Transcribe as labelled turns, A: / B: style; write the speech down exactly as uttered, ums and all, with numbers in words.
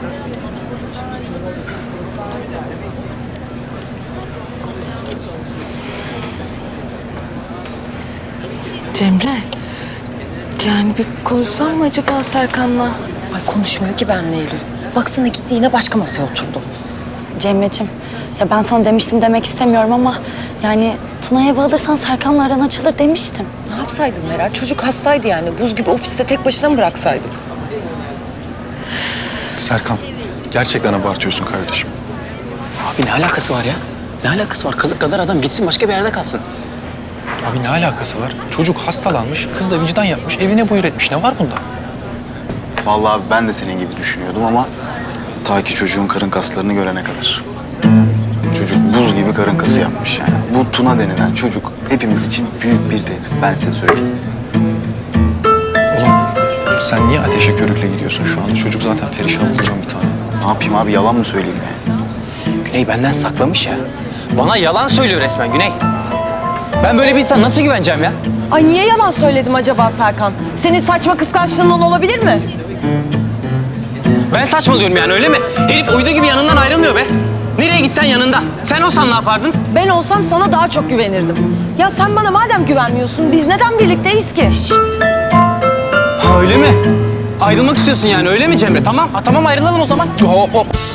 A: Cemre, yani bir konuşsam mı acaba Serkan'la?
B: Ay konuşmuyor ki benle Eylül. Baksana gitti yine başka masaya oturdu.
C: Cemre'cim, ya ben sana demiştim demek istemiyorum ama yani Tuna'ya ev alırsan Serkan'la aran açılır demiştim.
B: Ne yapsaydım Meral? Çocuk hastaydı yani. Buz gibi ofiste tek başına mı bıraksaydım?
D: Serkan, gerçekten abartıyorsun kardeşim.
E: Abi ne alakası var ya? Ne alakası var? Kazık kadar adam gitsin başka bir yerde kalsın.
D: Abi ne alakası var? Çocuk hastalanmış, kız da vicdan yapmış, evine buyur etmiş. Ne var bunda?
F: Vallahi abi ben de senin gibi düşünüyordum ama ta ki çocuğun karın kaslarını görene kadar. Çocuk buz gibi karın kası yapmış yani. Bu Tuna denilen çocuk hepimiz için büyük bir tehdit. Ben size söyleyeyim.
D: Oğlum sen niye ateşe körükle gidiyorsun şu anda? Çocuk zaten perişan olacağım bir tane.
F: Ne yapayım abi, yalan mı söyleyeyim yani?
E: Güney benden saklamış ya. Bana yalan söylüyor resmen Güney. Ben böyle bir insan nasıl güveneceğim ya?
B: Ay niye yalan söyledim acaba Serkan? Senin saçma kıskançlığından olabilir mi?
E: Ben saçmalıyorum yani öyle mi? Herif uydu gibi yanından ayrılmıyor be. Nereye gitsen yanında. Sen olsan ne yapardın?
B: Ben olsam sana daha çok güvenirdim. Ya sen bana madem güvenmiyorsun, biz neden birlikteyiz ki? Şşt!
E: Ha öyle mi? Ayrılmak istiyorsun yani öyle mi Cemre? Tamam, ha, tamam ayrılalım o zaman.
D: Hop hop.